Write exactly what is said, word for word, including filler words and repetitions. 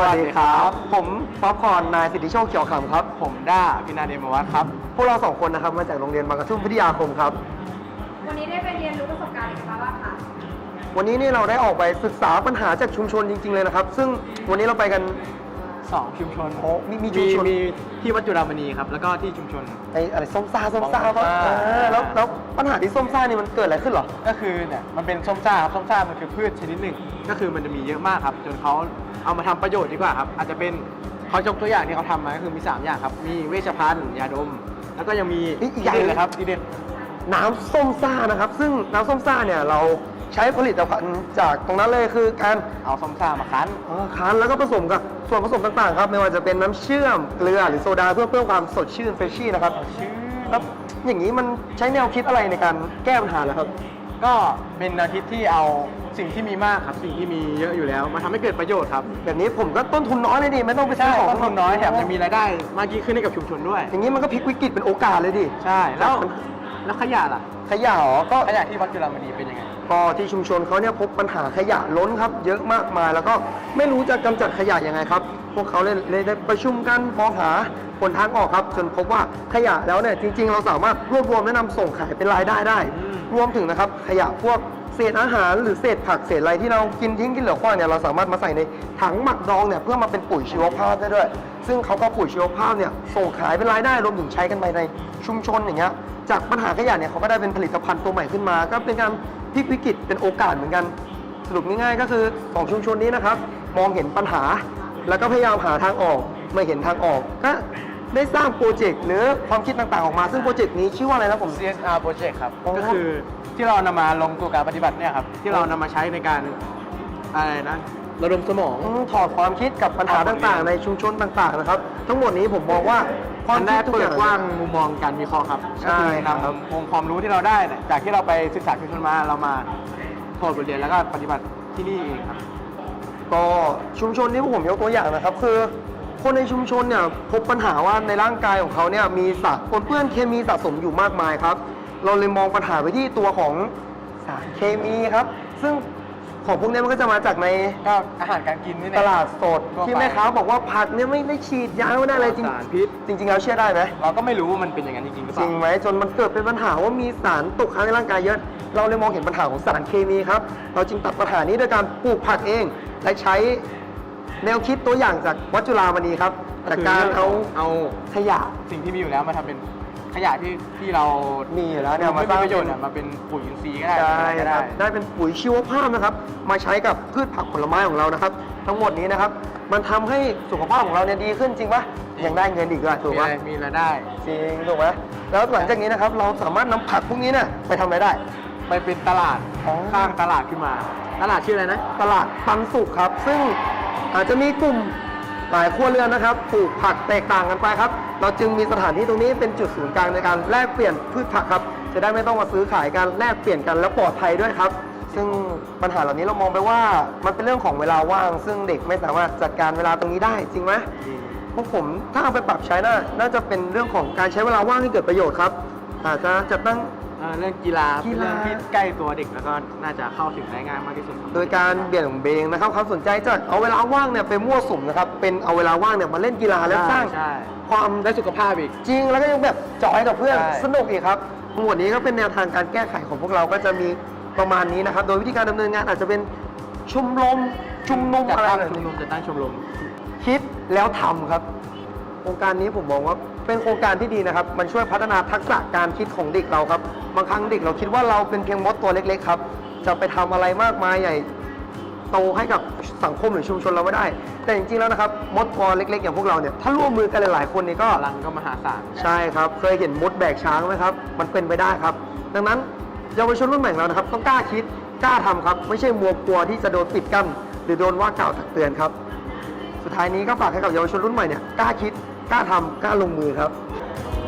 วัสดีครับผมป๊อปคอร์นนายสิทธิโชคเขียวขำครับผมด้าพินาเดมวัฒน์ครับพวกเราสองคนนะครับมาจากโรงเรียนบางกระทุ่มพิทยาคมครับวันนี้ได้ไปเรียนรู้ประสบการณ์อะไรกันบ้างคะวันนี้นี่เราได้ออกไปศึกษาปัญหาจากชุมชนจริงๆเลยนะครับซึ่งวันนี้เราไปกันสองชุมชนโอ้มีมีชุมชนมีที่วัดจุฬามณีครับแล้วก็ที่ชุมชนไอ้อะไรส้มซ่าส้มซ่าส้มซ่าแล้วแล้วปัญหาที่ส้มซ่านี่มันเกิดอะไรขึ้นหรอก็คือเนี่ยมันเป็นส้มซ่าครับส้มซ่ามันคือพืชชนิดหนึ่งก็คือมันจะมีเยอะมากครับจนเขาเอามาทำประโยชน์ดีกว่าครับอาจจะเป็นเขายกตัวอย่างที่เขาทำมาก็คือมีสามอย่างครับมีเวชภัณฑ์ยาดมแล้วก็ยังมีอีกอย่างเลยครับดีเด่นน้ำส้มซ่านะครับซึ่งน้ำส้มซ่าเนี่ยเราใช้ผลิตภัณฑ์จากตรงนั้นเลยคือการเอาส้มซ่ามาคั้นคั้นแล้วก็ผสมกับส่วนผสมต่างๆครับไม่ว่าจะเป็นน้ำเชื่อมเกลือหรือโซดาเพื่อเพิ่มความสดชื่นเฟรชชี่นะครับแล้วอย่างนี้มันใช้แนวคิดอะไรในการแก้ปัญหาเหรอครับก็เป็นแนวคิดที่เอาสิ่งที่มีมากครับสิ่งที่มีเยอะอยู่แล้วมาทำให้เกิดประโยชน์ครับแบบนี้ผมก็ต้นทุนน้อยเลยดิไม่ต้องไปซื้อของต้นทุนน้อยแถมจะมีรายได้มากยิ่งขึ้นให้กับชุมชนด้วยอย่างนี้มันก็พลิกวิกฤตเป็นโอกาสเลยดิใช่แล้วแล้วขยะล่ะขยะอ๋อก็ขยะที่วัดจุฬามณีเป็นยังไงก็ที่ชุมชนเขาเนี่ยพบปัญหาขยะล้นครับเยอะมากมายแล้วก็ไม่รู้จะกำจัดขยะยังไงครับพวกเขาเลยเลยได้ประชุมกันมองหาหนทางออกครับจนพบว่าขยะแล้วเนี่ยจริงๆเราสามารถรวบรวมและนำส่งขายเป็นรายได้ได้รวมถึงนะครับขยะพวกเศษอาหารหรือเศษผักเศษอะไรที่เรากินทิ้งกินเหลือขว้างเนี่ยเราสามารถมาใส่ในถังหมักดองเนี่ยเพื่อมาเป็นปุ๋ยชีวภาพได้ด้วยซึ่งเขาก็ปุ๋ยชีวภาพเนี่ยส่งขายเป็นรายได้รวมถึงใช้กันไปในชุมชนอย่างเงี้ยจากปัญหาขยะเนี่ยเขาก็ได้เป็นผลิตภัณฑ์ตัวใหม่ขึ้นมาก็เป็นการพลิกวิกฤตเป็นโอกาสเหมือนกันสรุปง่ายๆก็คือของชุมชนนี้นะครับมองเห็นปัญหาแล้วก็พยายามหาทางออกเมื่อเห็นทางออกก็ได้สร้างโปรเจกต์หรือความคิดต่างๆออกมาซึ่งโปรเจกต์นี้ชื่อว่าอะไรนะผมซี เอส อาร์ Project ครับก็คือที่เรานำมาลงตัวการปฏิบัติเนี่ยครับที่เรานำมาใช้ในการอะไรนะระดมสมองถอดความคิดกับปัญหาต่างๆในชุมชนต่างๆนะครับทั้งหมดนี้ผมมองว่าความได้เปิดกว้างมุมมองการวิเคราะห์ครับก็คือนำองค์ความรู้ที่เราได้จากที่เราไปศึกษาชุมชนมาเรามาถอดบทเรียนแล้วก็ปฏิบัติที่นี่เองครับก็ชุมชนที่ผมยกตัวอย่างนะครับคือคนในชุมชนเนี่ยพบปัญหาว่าในร่างกายของเขาเนี่ยมีสารปนเปื้อนเคมีสะสมอยู่มากมายครับเราเลยมองปัญหาไปที่ตัวของสารเคมีครับซึ่งของพวกนี้มันก็จะมาจากในก็อาหารการกินนี่ตลาดสดที่แม่ค้าบอกว่าผักเนี่ยไม่ได้ฉีดยาไม่ได้อะไรจริงสารพิษจริงๆแล้วเชื่อได้ไหมเราก็ไม่รู้ว่ามันเป็นอย่างนั้นจริงๆหรือเปล่าจริงไหมจนมันเกิดเป็นปัญหาว่ามีสารตกค้างในร่างกายเยอะเราเลยมองเห็นปัญหาของสารเคมีครับเราจึงตัดปัญหานี้ด้วยการปลูกผักเองและใช้แนวคิดตัวอย่างจากวัดจุฬามณีครับจากการเอาเอาขยะสิ่งที่มีอยู่แล้วมาทำเป็นขยะที่ที่เรามีอยู่แล้วเนี่ยมาสร้างประโยชน์มาเป็นปุ๋ยอินทรีย์ก็ได้ได้ได้ได้เป็นปุ๋ยชีวภาพนะครับมาใช้กับพืชผักผลไม้ของเรานะครับทั้งหมดนี้นะครับมันทำให้สุขภาพของเราเนี่ยดีขึ้นจริงปะยังได้เงินอีกด้วยถูกปะมีรายได้จริงถูกไหมแล้วหลังจากนี้นะครับเราสามารถนำผักพวกนี้เนี่ยไปทำอะไรได้ไปเป็นตลาดข้างตลาดขึ้นมาตลาดชื่ออะไรนะตลาดปันสุขครับซึ่งอาจจะมีกลุ่มหลายครัวเรือนนะครับปลูกผักแตกต่างกันไปครับเราจึงมีสถานที่ตรงนี้เป็นจุดศูนย์กลางในการแลกเปลี่ยนพืชผักครับจะได้ไม่ต้องมาซื้อขายกันแลกเปลี่ยนกันแล้วปลอดภัยด้วยครับซึ่งปัญหาเหล่านี้เรามองไปว่ามันเป็นเรื่องของเวลาว่างซึ่งเด็กไม่สามารถจัดการเวลาตรงนี้ได้จริงไหมพวกผมถ้าเอาไปปรับใช้น่าน่าจะเป็นเรื่องของการใช้เวลาว่างให้เกิดประโยชน์ครับอาจจะจัดตั้งเรื่องกีฬาเป็นเรื่องที่ใกล้ตัวเด็กแล้วก็น่าจะเข้าถึงได้ง่ายมากที่สุดโดยการเบี่ยงเบนนะครับความสนใจจากเอาเวลาว่างเนี่ยไปมั่วสุมนะครับเป็นเอาเวลาว่างเนี่ยมาเล่นกีฬาแล้วสร้างความได้สุขภาพอีกจริงแล้วก็ยังแบบจอยกับเพื่อนสนุกอีกครับทั้งหมดนี้ก็เป็นแนวทางการแก้ไขของพวกเราก็จะมีประมาณนี้นะครับโดยวิธีการดำเนินงานอาจจะเป็นชุมรมชุมนุมอะไรชุมนุมจะตั้งชมรมคิดแล้วทำครับโครงการนี้ผมมองว่าเป็นโครงการที่ดีนะครับมันช่วยพัฒนาทักษะการคิดของเด็กเราครับบางครั้งเด็กเราคิดว่าเราเป็นเพียงมดตัวเล็กๆครับจะไปทำอะไรมากมายใหญ่โตให้กับสังคมหรือชุมชนเราไม่ได้แต่จริงๆแล้วนะครับมดตัวเล็กๆอย่างพวกเราเนี่ยถ้าร่วมมือกันหลายๆคนนี่ก็พลังก็มหาศาลใช่ครับเคยเห็นมดแบกช้างไหมครับมันเป็นไปได้ครับดังนั้นเยาวชนรุ่นใหม่เรานะครับต้องกล้าคิดกล้าทำครับไม่ใช่มัวกลัวที่จะโดนปิดกั้นหรือโดนว่ากล่าวตักเตือนครับสุดท้ายนี้ก็ฝากให้กับเยาวชนรุ่นใหม่เนี่ยกล้าคิดกล้าทำกล้าลงมือครับ